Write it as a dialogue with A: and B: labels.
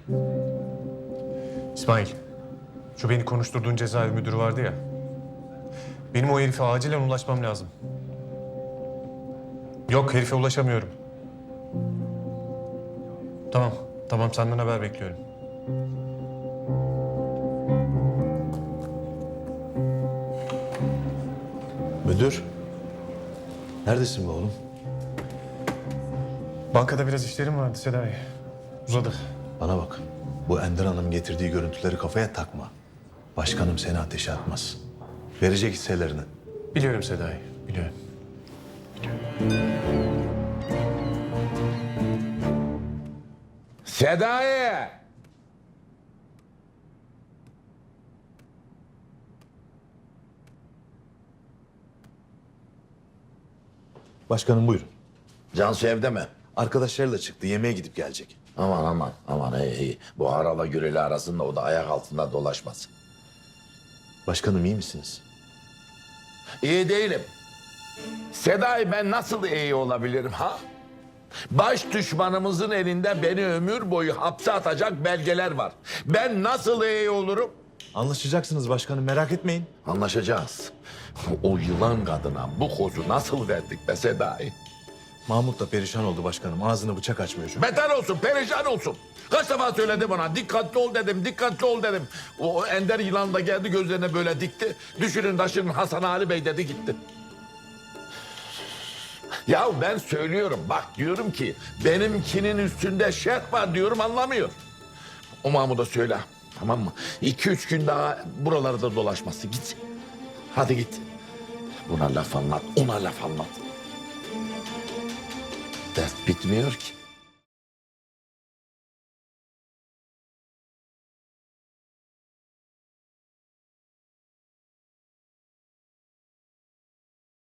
A: İsmail, şu beni konuşturduğun cezaevi müdürü vardı ya. Benim o herife acilen ulaşmam lazım. Yok, herife ulaşamıyorum. Tamam senden haber bekliyorum.
B: Müdür, neredesin be oğlum?
A: Bankada biraz işlerim vardı Sedai. Uzadı.
B: Bana bak, bu Ender Hanım getirdiği görüntüleri kafaya takma. Başkanım seni ateşe atmaz. Verecek hisselerini.
A: Biliyorum Sedai, biliyorum.
C: Sedai!
B: Başkanım buyurun.
C: Cansu evde mi?
B: Arkadaşlarıyla çıktı, yemeğe gidip gelecek.
C: Aman iyi. Bu Aral'la Gürel'i arasında o da ayak altında dolaşmasın.
B: Başkanım iyi misiniz?
C: İyi değilim. Sedai ben nasıl iyi olabilirim ha? Baş düşmanımızın elinde beni ömür boyu hapse atacak belgeler var. Ben nasıl iyi olurum?
B: Anlaşacaksınız başkanım, merak etmeyin.
C: Anlaşacağız. O yılan kadına bu kozu nasıl verdik be Sedai?
B: Mahmut da perişan oldu başkanım. Ağzını bıçak açmıyor şu an.
C: Beter olsun, perişan olsun. Kaç defa söyledi bana, dikkatli ol dedim, dikkatli ol dedim. O ender yılan da geldi gözlerine böyle dikti. Düşünün taşının Hasan Ali Bey dedi gitti. Ya ben söylüyorum, bak diyorum ki benimkinin üstünde şerh var diyorum anlamıyor. O Mahmut'a söyle, tamam mı? 2-3 gün daha buralarda dolaşması git. Hadi git. Buna laf anlat, ona laf anlat. Dert bitmiyor ki.